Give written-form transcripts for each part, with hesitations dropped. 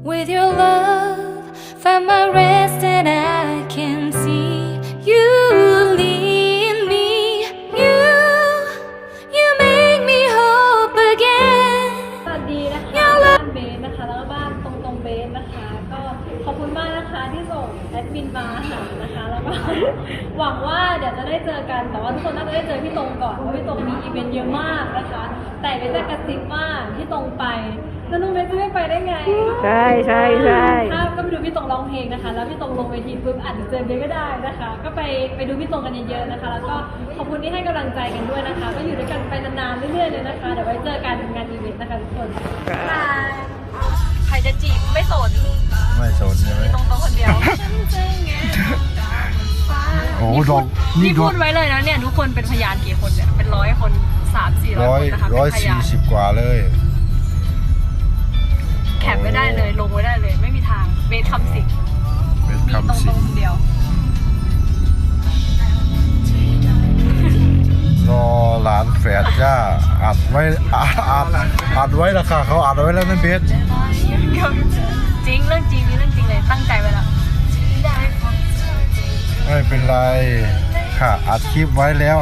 With your love, find my rest and I can see you lead me. You make me hope again. สวัสดีนะคะบ้านเบสนะคะแล้วก็บ้านตรงเบสนะคะก็ขอบคุณมากนะคะที่ส่งแอดมินมาหานะคะแล้วก็ หวังว่าเดี๋ยวจะได้เจอกันแต่ว่าทุกคนน่าจะได้เจอพี่ตรงก่อนเพราะพี่ตรงมีอีเวนต์เยอะมากนะคะแต่เบสจะกระซิบว่าพี่ตรงไปแล้วน้องเบสจะไม่ไปได้ไงใช่ถ้าก็ไปดูพี่ตรงร้องเพลงนะคะแล้วพี่ตรงลงเวทีปุ๊บอาจจะเจอเบสก็ได้นะคะก็ไปดูพี่ตรงกันเยอะๆนะคะแล้วก็ขอบคุณที่ให้กำลังใจกันด้วยนะคะก็อยู่ด้วยกันไปนานๆเรื่อยๆเลยนะคะเดี๋ยวไว้เจอกันงานอีเวนต์นะคะทุกคนใครจะจีบไม่สนไม่สนใช่ไหมตรงคนเดียวโอ้ดอกนี่พูดไว้เลยนะเนี่ยทุกคนเป็นพยานกี่คนเนี่ยเป็น100 คน300-400 คนนะคะเป็นพยาน 140 กว่าเลยแคปไม่ได้เลยลงไว้ได้เลยไม่มีทางเบสคำสิงเป็นมีตรงคำสิงคนเดียวรอหลานแฝดย่าอัดไว้อัดไว้ละค่ะเขาอัดไว้แล้วนั่นเบสจริงเรื่องจริงนี่เรื่องจริงเลยตั้งใจไว้แล้วไม่เป็นไรค่ะอัดคลิปไว้แล้ว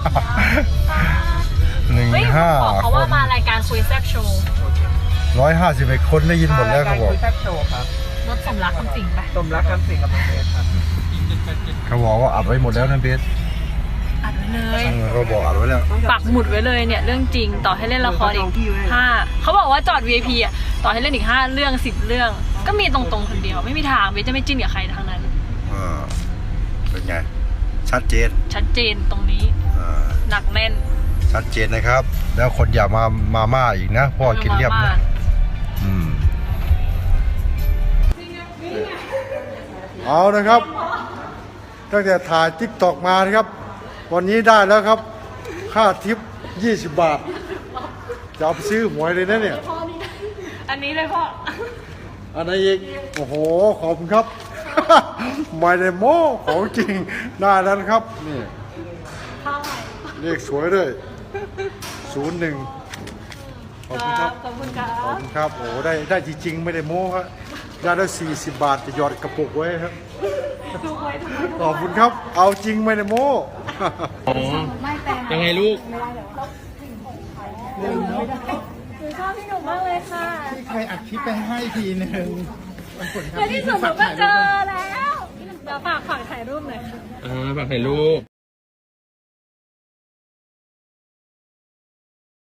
เฮ้ย 15 บอกเขาว่ามารายการคุยแซ่บโชว์ 151 คนได้ยินหมดแล้วเขาบอกคุยแซ่บโชว์ครับรถสมรักคำสิงไปสมรักคำสิงกับน้องเบสครับเขาบอกว่าอัดไว้หมดแล้วนั่นเบสอัดไว้เลยเขาบอกอัดไว้แล้วปักหมุดไว้เลยเนี่ยเรื่องจริงต่อให้เล่นละครอีก5เขาบอกว่าจอด VIP อ่ะต่อให้เล่นอีก5เรื่อง10 เรื่องก็มีตรงๆคนเดียวไม่มีทางเบสจะไม่จิ้นกับใครทั้งนั้นเป็นไงชัดเจนชัดเจนตรงนี้หนักแน่นชัดเจนนะครับ แล้วคนอย่ามาม่าอีกนะพ่อกินเรียบนะเอานะครับตั้งแต่ถ่ายติ๊กตอกมานะครับ วันนี้ได้แล้วครับ ค่าทิป20 บาทจะเอาไปซื้อหวยเลยนะเนี่ยอันนี้เลยพ่ออันไหนอีกโอ้โหขอบคุณครับ ไม่ได้โม้ของจริงได้แล้วนะครับนี่เลขสวยด้วย01ขอบคุณครับขอบคุณครัขอบบ คุณครับโอ้ได้จริงๆไม่ได้โม้ครับได้แล้ว40 บาทจะหยอดกระปุกไว้ครับขอบคุณครับเอาจริงไม่ได้โม้ยังไงลูกหนูชอบพี่หนุ่มมากเลยค่ะใครอัดคลิปไปให้ทีหนึ่งในที่สุดหนูก็เจอแล้วเดี๋ยวฝากถ่ายรูปหน่อยค่ะฝากถ่ายรูป